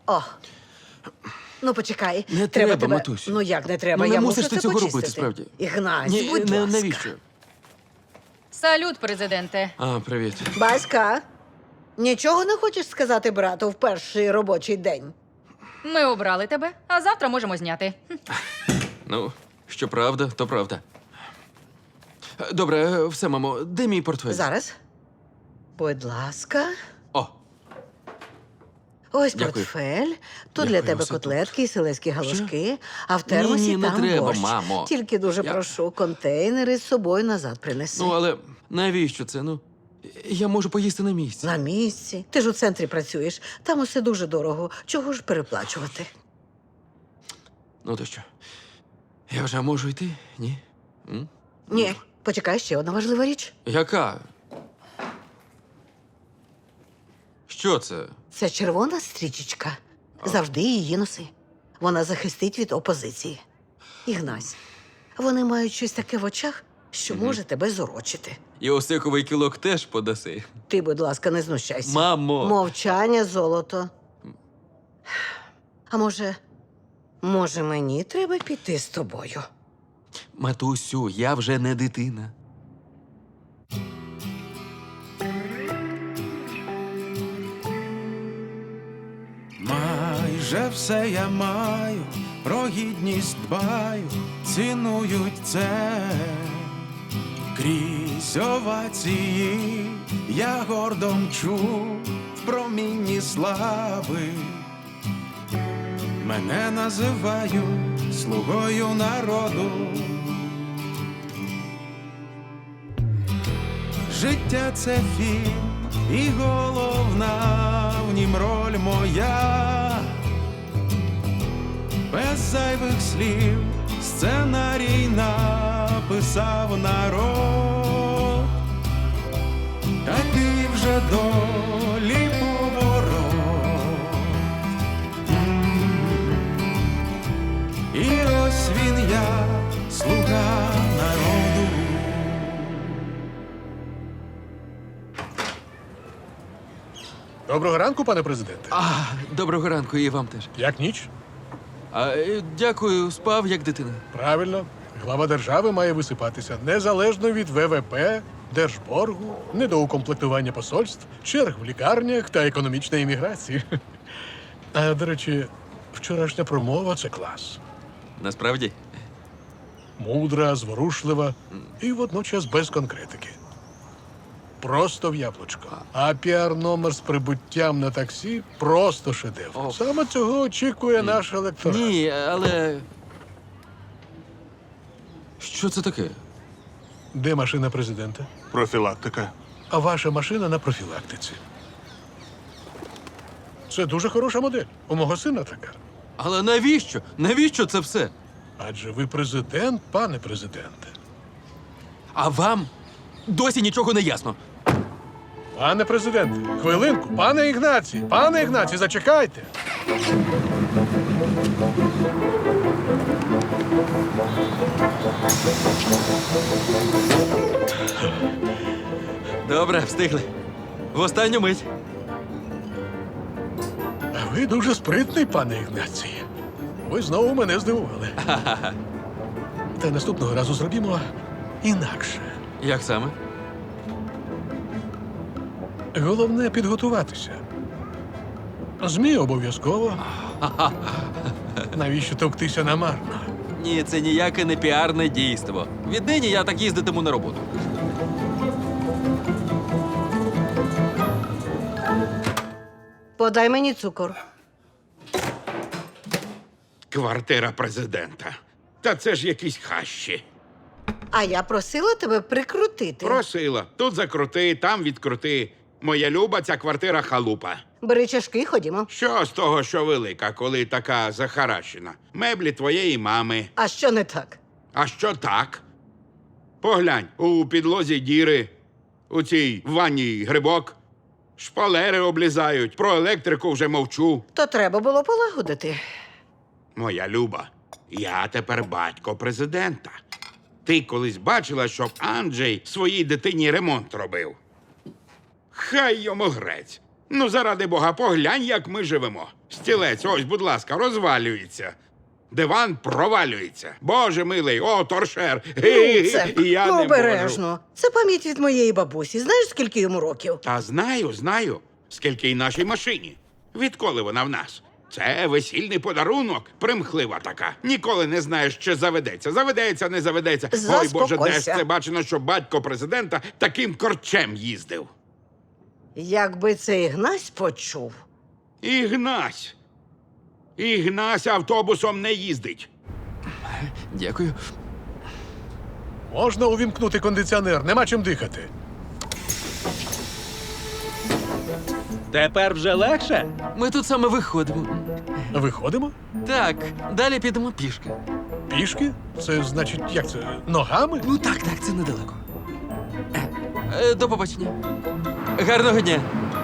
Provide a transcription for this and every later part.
О. Ну, почекай. Не треба, тебе... матусю. Ну, як не треба? Ну, не Я мусиш мушу ти це цього почистити. робити, справді. Ігнась, Ні, будь ласка. навіщо? Салют, президенте. А, привіт. Баська, нічого не хочеш сказати брату в перший робочий день? Ми обрали тебе, а завтра можемо зняти. Ну, що правда, то правда. Добре, все, мамо, де мій портфель? Зараз. Будь ласка. О, Ось Дякую. портфель. Тут Дякую, для тебе все тут. котлетки і селезькі галушки, а в термосі Ні, не там треба, борщ. мамо. Тільки дуже Я- прошу, контейнери з собою назад принеси. ну але навіщо це? Ну, я можу поїсти на місці. На місці. Ти ж у центрі працюєш. Там усе дуже дорого. Чого ж переплачувати? Ну то що? Я вже можу йти? Ні? М? Ні, почекай, ще одна важлива річ. Яка? Що це? Це червона стрічечка. Завжди її носи. Вона захистить від опозиції. Ігнась, вони мають щось таке в очах, що може тебе зорочити. І осиковий кілок теж подаси. Ти, будь ласка, не знущайся. Мамо! Мовчання, золото. А може, мені треба піти з тобою? Матусю, я вже не дитина. Майже все я маю, про гідність дбаю, цінують це. Крізь овації я гордо мчу в промінні слави. Мене називають слугою народу. Життя це фільм, і головна в нім роль моя. Без зайвих слів сценарій написав народ. Такий вже долі поворот. І ось він я, слуга народу. Доброго ранку, пане президенте. Доброго ранку і вам теж. Як ніч? Дякую, спав як дитина. Правильно. Глава держави має висипатися незалежно від ВВП, держборгу, недоукомплектування посольств, черг в лікарнях та економічної імміграції. А, до речі, вчорашня промова – це клас. Насправді? Мудра, зворушлива і водночас без конкретики. Просто в яблучко. А піар-номер з прибуттям на таксі – просто шедевр. Ох. Саме цього очікує наш електорат. Ні, але. Що це таке? Де машина президента? Профілактика. А ваша машина на профілактиці. Це дуже хороша модель. У мого сина така. Але навіщо? Навіщо це все? Адже ви президент, пане президенте. А вам досі нічого не ясно. Пане президенте, хвилинку, пане Ігнацій, пане Ігнацій, зачекайте. Добре, встигли. В останню мить. А ви дуже спритний, пане Ігнацій. Ви знову мене здивували. Та наступного разу зробімо інакше. Як саме? Головне підготуватися. ЗМІ обов'язково. Навіщо товктися намарно? Ні, це ніяке не піарне дійство. Віднині я так їздитиму на роботу. Подай мені цукор. Квартира президента. Та це ж якісь хащі. А я просила тебе прикрутити. Просила. Тут закрути, там відкрути. Моя люба, ця квартира халупа. Бери чашки, ходімо. Що з того, що велика, коли така захаращена? Меблі твоєї мами. А що не так? А що так? Поглянь, у підлозі діри, у цій ванні грибок, шпалери облізають, про електрику вже мовчу. То треба було полагодити. Моя люба, я тепер батько президента. Ти колись бачила, щоб Анджей своїй дитині ремонт робив? Хай йому грець. Ну, заради Бога, поглянь, як ми живемо. Стілець, ось, будь ласка, розвалюється. Диван провалюється. Боже милий, о, торшер. Це, І я не можу. обережно. Це пам'ять від моєї бабусі. Знаєш, скільки йому років? Та знаю, скільки й нашій машині. Відколи вона в нас? Це весільний подарунок, примхлива така. Ніколи не знаєш, чи заведеться. Заведеться, не заведеться. Ой, Боже, де ж Заспокойся. це бачено, що батько президента таким корчем їздив. Якби цей Ігнась почув. Ігнась автобусом не їздить. Дякую. Можна увімкнути кондиціонер, нема чим дихати. Тепер вже легше? Ми тут саме виходимо. Виходимо? Так, далі підемо пішки. Пішки? Це значить, як це? Ногами? Ну так, це недалеко. До побачення. Гарного дня.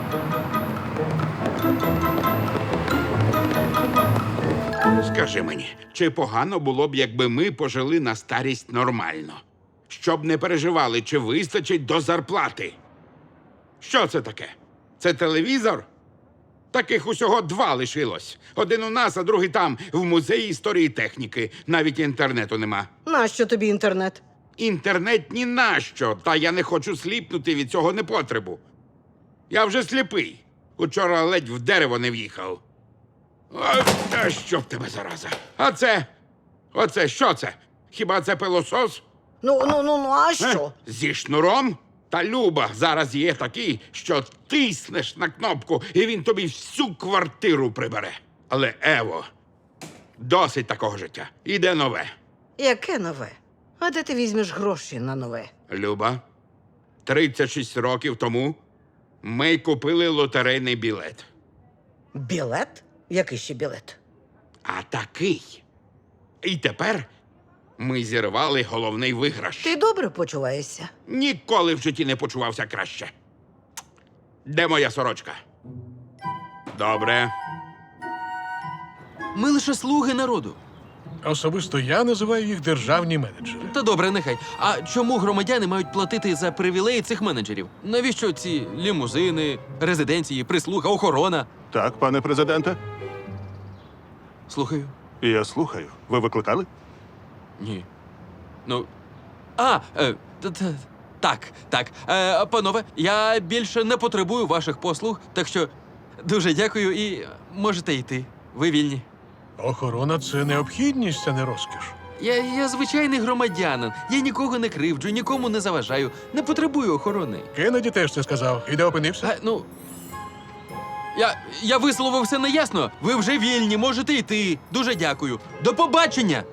Скажи мені, чи погано було б, якби ми пожили на старість нормально? Щоб не переживали, чи вистачить до зарплати? Що це таке? Це телевізор? Таких усього 2 лишилось. Один у нас, а другий там, в музеї історії техніки. Навіть інтернету нема. Нащо тобі інтернет? Інтернет ні на що, та я не хочу сліпнути від цього непотребу. Я вже сліпий. Учора ледь в дерево не в'їхав. Ой, та що в тебе зараза? А це? Оце що це? Хіба це пилосос? А що? Зі шнуром? Та Люба, зараз є такий, що тиснеш на кнопку, і він тобі всю квартиру прибере. Але, Ево, досить такого життя. Іде нове. Яке нове? А де ти візьмеш гроші на нове? Люба, 36 років тому ми купили лотерейний білет. Білет? Який ще білет? А такий. І тепер ми зірвали головний виграш. Ти добре почуваєшся? Ніколи в житті не почувався краще. Де моя сорочка? Добре. Ми лише слуги народу. Особисто я називаю їх державні менеджери. Та добре, нехай. А чому громадяни мають платити за привілеї цих менеджерів? Навіщо ці лімузини, резиденції, прислуга, охорона? Так, пане президенте. Слухаю. Я слухаю. Ви викликали? Ні. Ну. Так. Панове, я більше не потребую ваших послуг, так що дуже дякую і можете йти. Ви вільні. Охорона це необхідність, а не розкіш. Я звичайний громадянин. Я нікого не кривджу, нікому не заважаю. Не потребую охорони. Кеннеді теж це сказав. І де опинився? Я висловився неясно. Ви вже вільні, можете йти. Дуже дякую. До побачення.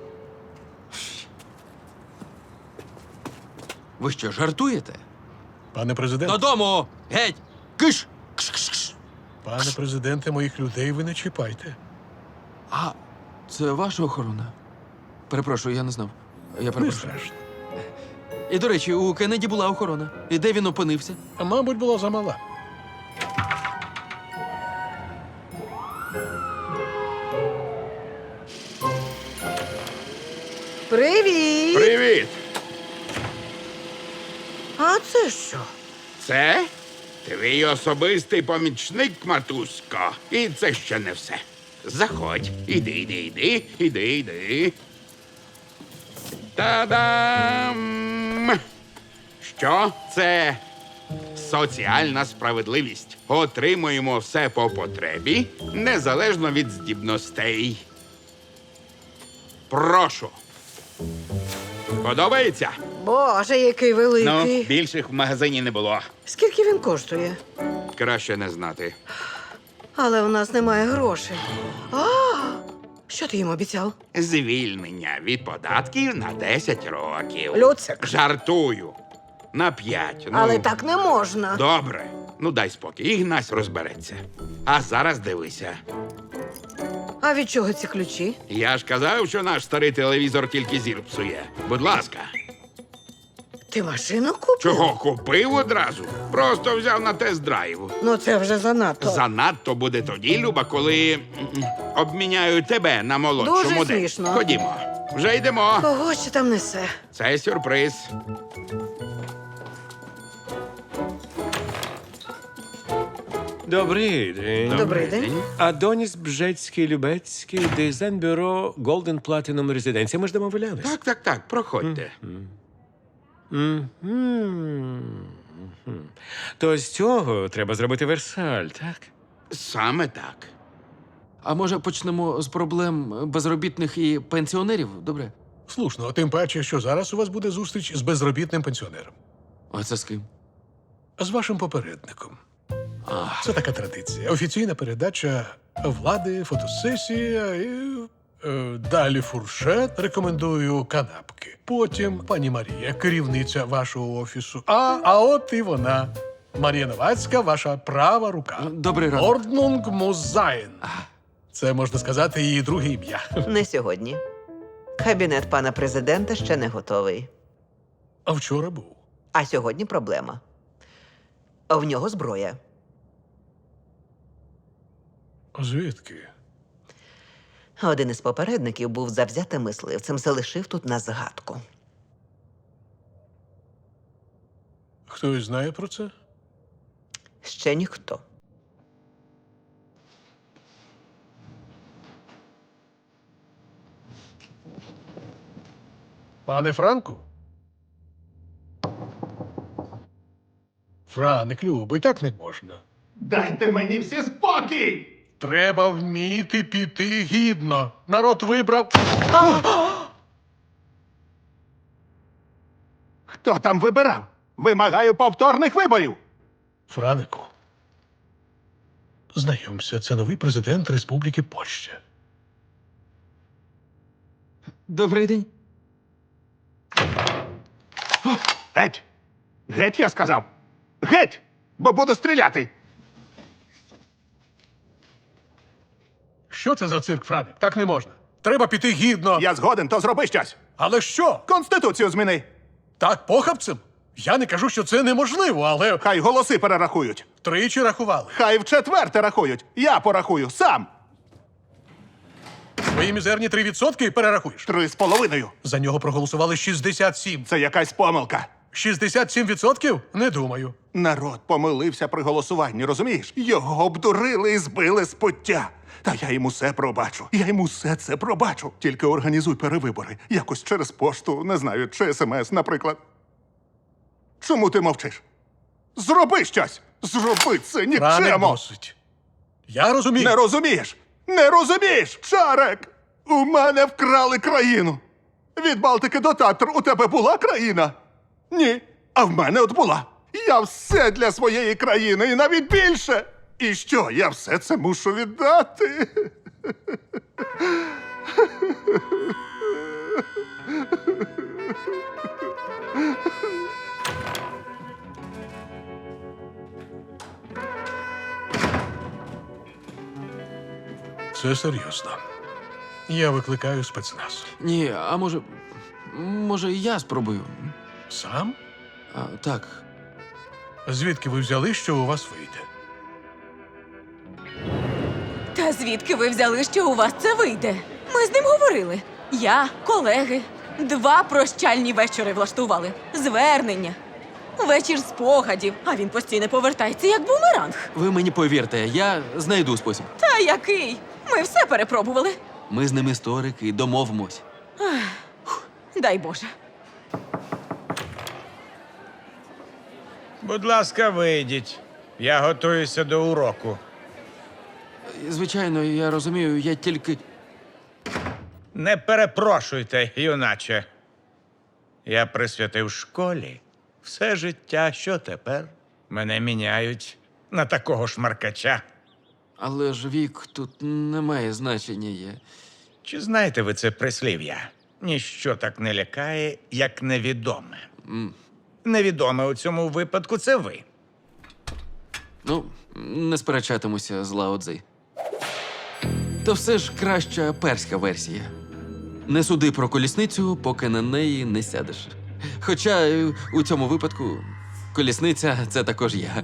Ви що, жартуєте? Пане президент, Додому! Геть! Киш! Кш-кш-кш! пане президенте, моїх людей ви не чіпайте. А це ваша охорона? Перепрошую, я не знав. Я Не перепрошую. страшно. І, до речі, у Кеннеді була охорона. І де він опинився? А мабуть, була замала. Привіт! Привіт! А це що? Це твій особистий помічник, матусько. І це ще не все. Заходь. Іди. Та-дам! Що це? Соціальна справедливість. Отримуємо все по потребі, незалежно від здібностей. Прошу. Подобається? Боже, який великий. Ну, більших в магазині не було. Скільки він коштує? Краще не знати. Але у нас немає грошей. Що ти їм обіцяв? Звільнення від податків на 10 років. Люцик. Жартую. На 5. Але так не можна. Добре. Ну дай спокій. Ігнась розбереться. А зараз дивися. А від чого ці ключі? Я ж казав, що наш старий телевізор тільки зір псує. Будь ласка. Ти машину купив? Чого купив одразу? Просто взяв на тест-драйв. Ну це вже занадто. Занадто буде тоді, Люба, коли обміняю тебе на молодшу Дуже модель. смішно. Ходімо. Вже йдемо. Кого ще там несе? Це сюрприз. Добрий день. Добрий день. Адоніс Бжецький-Любецький, дизайн-бюро Golden Platinum Residence. Ми ж домовлялись. Так, проходьте. То з цього треба зробити Версаль, так? Саме так. А може почнемо з проблем безробітних і пенсіонерів? Добре? Слушно, тим паче, що зараз у вас буде зустріч з безробітним пенсіонером. А це з ким? З вашим попередником. Це така традиція. Офіційна передача влади, фотосесія і далі фуршет. Рекомендую канапки. Потім пані Марія, керівниця вашого офісу. А от і вона. Марія Новацька, ваша права рука. Добрий ранок. Орднунг Музайн. Це, можна сказати, її друге ім'я. Не сьогодні. Кабінет пана президента ще не готовий. А вчора був. А сьогодні проблема. В нього зброя. Звідки? Один із попередників був завзятим мисливцем, залишив тут на згадку. Хтось знає про це? Ще ніхто. Пане Франку? Франик, любий, так не можна. Дайте мені всі спокій! Треба вміти піти гідно. Народ вибрав. Хто там вибирав? Вимагаю повторних виборів! Франику. Знайомся, це новий президент Республіки Польща. Добрий день. Геть! Геть, я сказав! Геть! Бо буду стріляти! Що це за цирк, Франик? Так не можна. Треба піти гідно. Я згоден, то зроби щось! Але що? Конституцію зміни! Так похабцем? Я не кажу, що це неможливо, але Хай голоси перерахують! тричі рахували. Хай вчетверте рахують! Я порахую сам! Свої мізерні 3% перерахуєш. 3,5! За нього проголосували 67. Це якась помилка! 67%? Не думаю. Народ помилився при голосуванні, розумієш? Його обдурили і збили з пуття. Та я йому все пробачу. Я йому все це пробачу. Тільки організуй перевибори. Якось через пошту, не знаю, чи СМС, наприклад. Чому ти мовчиш? Зроби щось! Зроби це Франик нікчемо! досить. Я розумію. Не розумієш? Не розумієш, Чарек! У мене вкрали країну. Від Балтики до Татр у тебе була країна? Ні. А в мене от була. Я все для своєї країни і навіть більше. І що, я все це мушу віддати? Це серйозно. Я викликаю спецназ. Ні, а може, я спробую. Сам? Так. Звідки ви взяли, що у вас вийде? Та звідки ви взяли, що у вас це вийде? Ми з ним говорили. Я, колеги, 2 прощальні вечори влаштували. Звернення. Вечір спогадів, а він постійно повертається, як бумеранг. Ви мені повірте, я знайду спосіб. Та який? Ми все перепробували. Ми з ним історики, домовимось. Дай Боже. Будь ласка, вийдіть. Я готуюся до уроку. Звичайно, я розумію, я тільки. Не перепрошуйте, юначе. Я присвятив школі все життя, що тепер мене міняють на такого шмаркача. Але ж вік тут не має значення. Чи знаєте ви це прислів'я? Ніщо так не лякає, як невідоме. Невідоме у цьому випадку це ви. Ну, не сперечатимуся з Лао Цзи. То все ж краща перська версія. Не суди про колісницю, поки на неї не сядеш. Хоча у цьому випадку колісниця – це також я.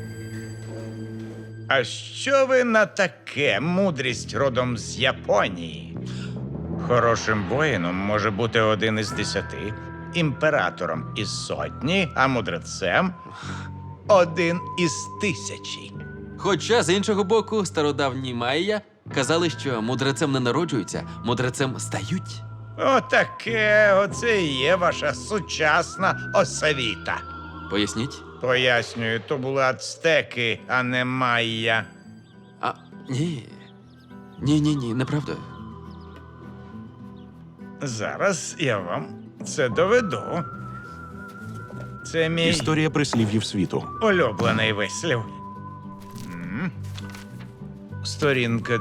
А що ви на таке, мудрість родом з Японії? Хорошим воїном може бути 1 із 10, імператором із 100, а мудрецем 1 із 1000. Хоча, з іншого боку, стародавні майя казали, що мудрецем не народжуються, мудрецем стають. Отаке, оце і є ваша сучасна освіта. Поясніть? Пояснюю, то були ацтеки, а не майя. А, ні. Ні, неправда. Зараз я вам це доведу. Це мій Історія прислів'їв світу. улюблений вислів. Сторінка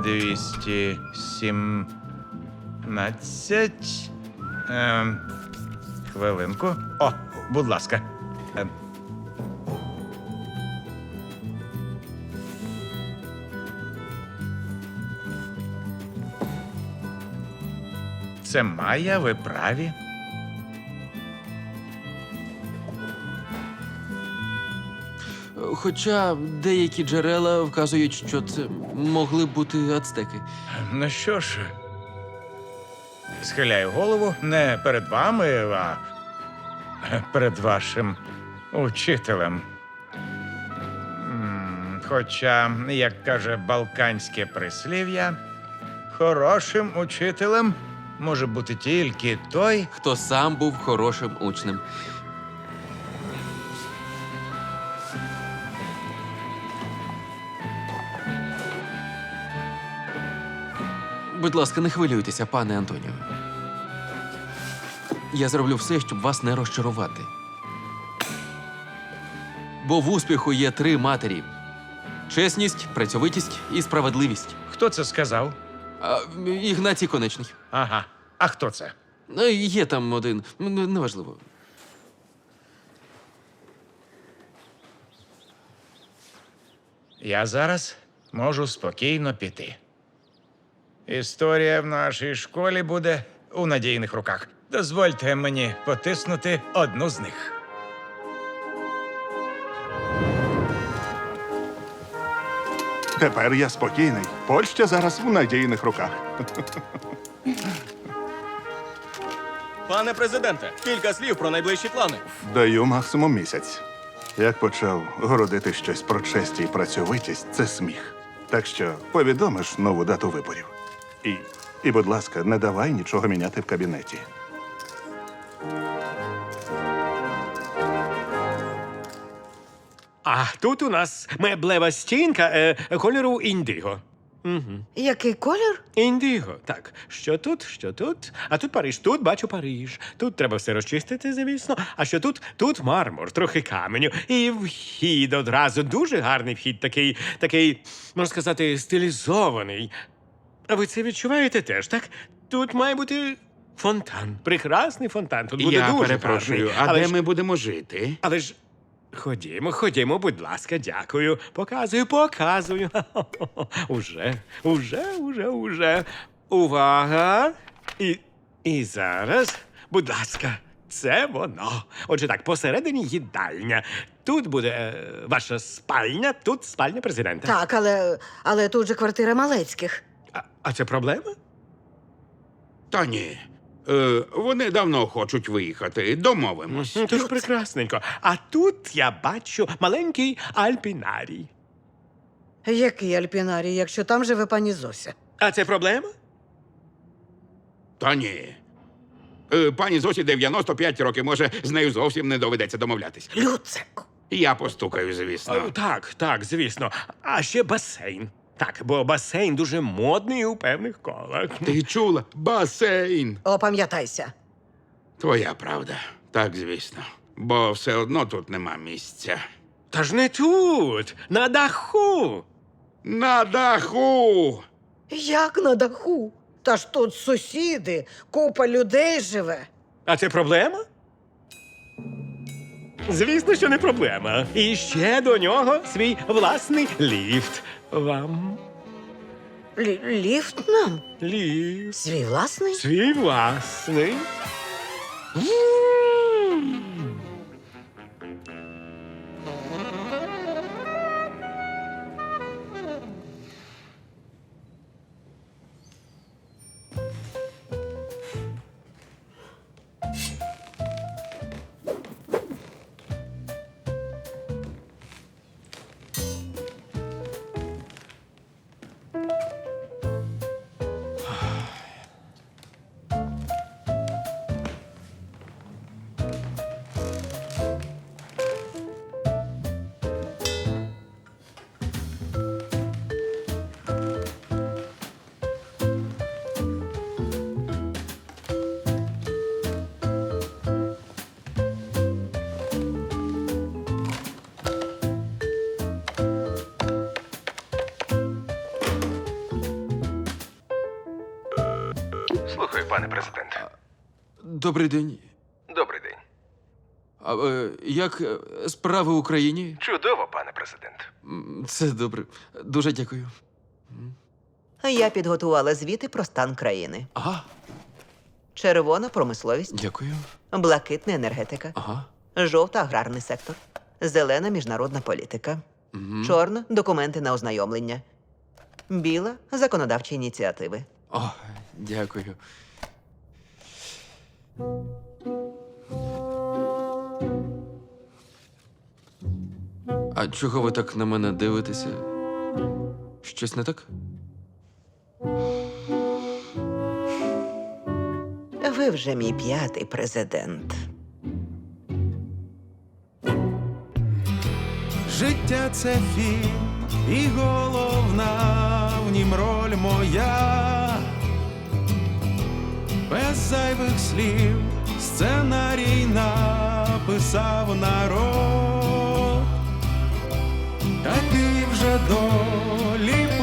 217. Хвилинку. О, будь ласка. Це Майя, ви праві. Хоча деякі джерела вказують, що це могли бути ацтеки. Ну що ж, схиляю голову не перед вами, а перед вашим учителем. Хоча, як каже балканське прислів'я, хорошим учителем може бути тільки той, Хто сам був хорошим учнем. Будь ласка, не хвилюйтеся, пане Антоніо. Я зроблю все, щоб вас не розчарувати. Бо в успіху є 3 матері: чесність, працьовитість і справедливість. хто це сказав? Ігнатій Конечний. Ага. А хто це? Є там один, неважливо. Я зараз можу спокійно піти. Історія в нашій школі буде у надійних руках. Дозвольте мені потиснути одну з них. Тепер я спокійний. Польща зараз в надійних руках. Пане президенте, кілька слів про найближчі плани. Даю максимум місяць. Як почав городити щось про честь і працьовитість, це сміх. Так що повідомиш нову дату виборів. І, будь ласка, не давай нічого міняти в кабінеті. А тут у нас меблева стінка кольору індиго. Який колір? Індиго, так. Що тут, що тут? А тут Париж, тут бачу Париж. Тут треба все розчистити, звісно. А що тут? Тут мармур, трохи каменю. І вхід одразу. Дуже гарний вхід, такий, можна сказати, стилізований. А ви це відчуваєте теж, так? Тут має бути фонтан. Прекрасний фонтан. Тут буде Я дуже перепрошую, гарний. а Але де ж- ми будемо жити? Але ж ходімо, будь ласка, дякую. Показую. Уже. Увага. І зараз, будь ласка, це воно. Отже так, посередині їдальня. Тут буде ваша спальня, тут спальня президента. Так, але тут же квартира Малецьких. А це проблема? Та ні. Вони давно хочуть виїхати. Домовимось. Тож прекрасненько. А тут я бачу маленький альпінарій. Який альпінарій, якщо там живе пані Зося? А це проблема? Та ні. Пані Зосі 95 років, може, з нею зовсім не доведеться домовлятись. Люцику. Я постукаю, звісно. Так, звісно. А ще басейн. Так, бо басейн дуже модний у певних колах. Ти чула? Басейн. Опам'ятайся. Твоя правда. Так, звісно. Бо все одно тут нема місця. Та ж не тут, на даху. На даху! Як на даху? Та ж тут сусіди, купа людей живе. А це проблема? Звісно, що не проблема. І ще до нього свій власний ліфт. Вам Ліфт нам? ліфт. Свій власний? Свій власний. Слухаю, пане президент. Добрий день. Добрий день. Як справи в Україні? Чудово, пане президент. Це добре. Дуже дякую. Я підготувала звіти про стан країни. Ага, Червона промисловість, дякую. блакитна енергетика, Ага. жовта аграрний сектор, зелена міжнародна політика, чорна документи на ознайомлення, біла законодавчі ініціативи. О, дякую. А чого ви так на мене дивитеся? Щось не так? Ви вже мій 5-й президент. Життя це фільм, і головна в нім роль моя. Без зайвих слів сценарій написав народ. Такий вже долі